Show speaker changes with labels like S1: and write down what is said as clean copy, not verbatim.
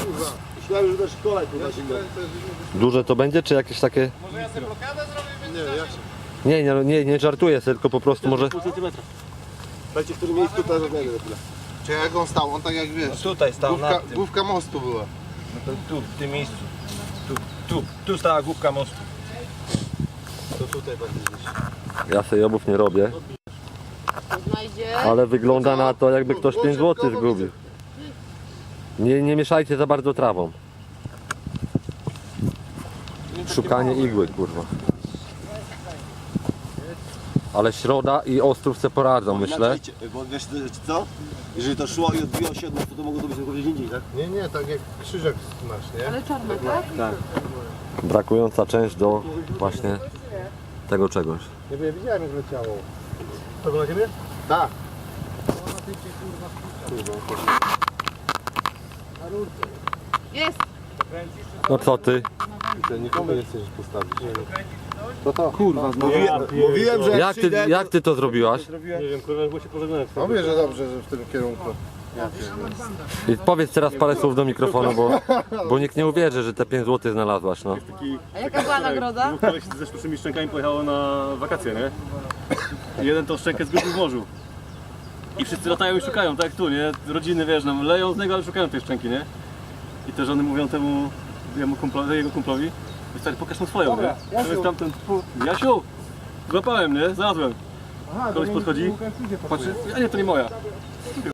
S1: Myślałem, że na szkole tu
S2: Duże to będzie, czy jakieś takie...
S3: Może ja sobie blokadę zrobię?
S1: Nie, ja się.
S2: Nie żartuję, tylko po prostu może...
S1: Pół centymetra. Dajcie w którym miejscu teraz rozmiarę na chwilę.
S4: Czy jak on stał? On tak jak wiesz.
S3: Tutaj stał
S4: Główka,
S3: nad tym.
S4: główka mostu była.
S3: No to tu, w tym miejscu. Tu stała główka mostu.
S1: To tutaj będzie gdzieś.
S2: Ja sobie obów nie robię,
S5: Znajdzie.
S2: ale wygląda na to, jakby ktoś 5 zł zgubił. Nie mieszajcie za bardzo trawą. Szukanie igły, kurwa. Ale Środa i Ostrów se poradzą, myślę.
S1: Bo wiesz co? Jeżeli to szło i odbiło się od mostu, to mogło to być tylko gdzieś indziej, tak?
S4: Nie, tak jak krzyżek masz, nie?
S5: Ale czarne, tak?
S1: Tak.
S2: Brakująca część do właśnie tego czegoś.
S4: Nie wiem, widziałem jak leciało.
S1: To było na ciebie?
S4: Tak.
S5: Jest.
S2: No co ty?
S4: Ty nikomu nie chcesz postawić.
S1: Kurwa, mówiłem, że
S2: Jak ty to zrobiłaś?
S1: Nie wiem, kurwa, bo się pożegnałem.
S4: Mówię, że dobrze, że w tym kierunku.
S2: I powiedz teraz parę słów do mikrofonu, bo nikt nie uwierzy, że te 5 zł znalazłaś, no.
S5: A jaka była nagroda?
S6: Dwóch koleś ze sztucznymi szczękami pojechało na wakacje, nie? I jeden tą szczękę zgubił w morzu. I wszyscy latają i szukają, tak jak tu, nie? Rodziny, wiesz, nam leją z niego, ale szukają tej szczęki, nie? I te żony mówią temu jego kumplowi, stary, pokaż mu swoją, nie? To jest tamten, Jasiu, złapałem, nie? Znalazłem. Koleś podchodzi, patrzy, a nie, to nie moja.